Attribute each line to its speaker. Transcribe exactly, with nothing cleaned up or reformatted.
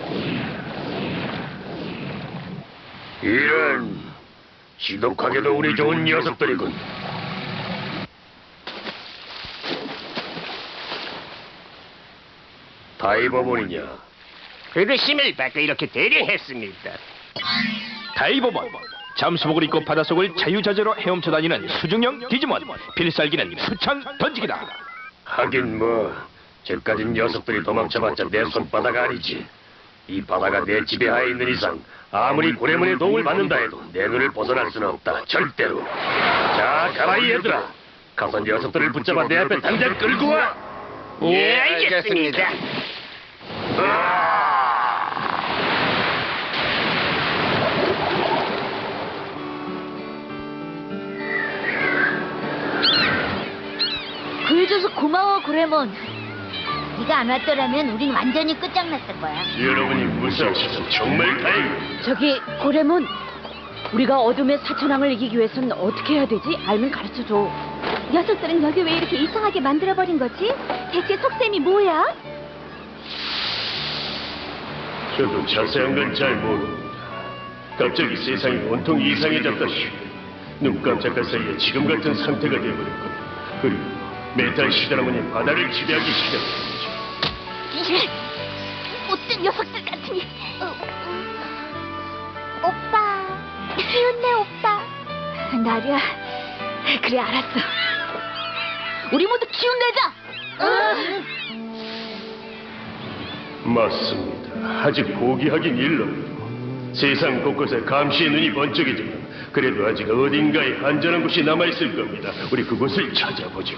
Speaker 1: 이런, 지독하게도 우리 좋은 녀석들이군. 다이버몬이냐?
Speaker 2: 그릇심을 받고 이렇게 대령했습니다.
Speaker 3: 다이버몬, 잠수복을 입고 바닷속을 자유자재로 헤엄쳐 다니는 수중형 디지몬. 필살기는 수창 던지기다.
Speaker 1: 하긴 뭐, 저까진 녀석들이 도망쳐봤자 내 손바닥 아니지. 이 바다가 내 지배하에 있는 이상 아무리 고래문의 도움을 받는다 해도 내 눈을 벗어날 수는 없다. 절대로. 자, 가라 이 얘들아. 가서 녀석들을 붙잡아 내 앞에 당장 끌고 와.
Speaker 2: 예, 알겠습니다.
Speaker 4: 구해줘서 고마워, 고래몬. 네가 안 왔더라면 우린 완전히 끝장났을 거야.
Speaker 1: 여러분이 무사하셔서 정말 다행이에요.
Speaker 5: 저기 고래몬, 우리가 어둠의 사천왕을 이기기 위해서는 어떻게 해야 되지? 알면 가르쳐줘.
Speaker 4: 녀석들은 여기 왜 이렇게 이상하게 만들어버린 거지? 대체 속셈이 뭐야?
Speaker 1: 저도 자세한 건 잘 모릅니다. 갑자기 세상이 온통 이상해졌다시 눈 깜짝할 사이에 지금 같은 상태가 되어버렸고, 그리고 메탈 시드라문이 바다를 지배하기 시작했죠.
Speaker 4: 못된 녀석들 같으니. 어, 오빠, 기운내 오빠. 나리야, 그래 알았어. 우리 모두 기운내자.
Speaker 1: 맞습니다. 아직 포기하긴 일렀고, 세상 곳곳에 감시의 눈이 번쩍이지만 그래도 아직 어딘가에 안전한 곳이 남아있을 겁니다. 우리 그곳을 찾아보죠.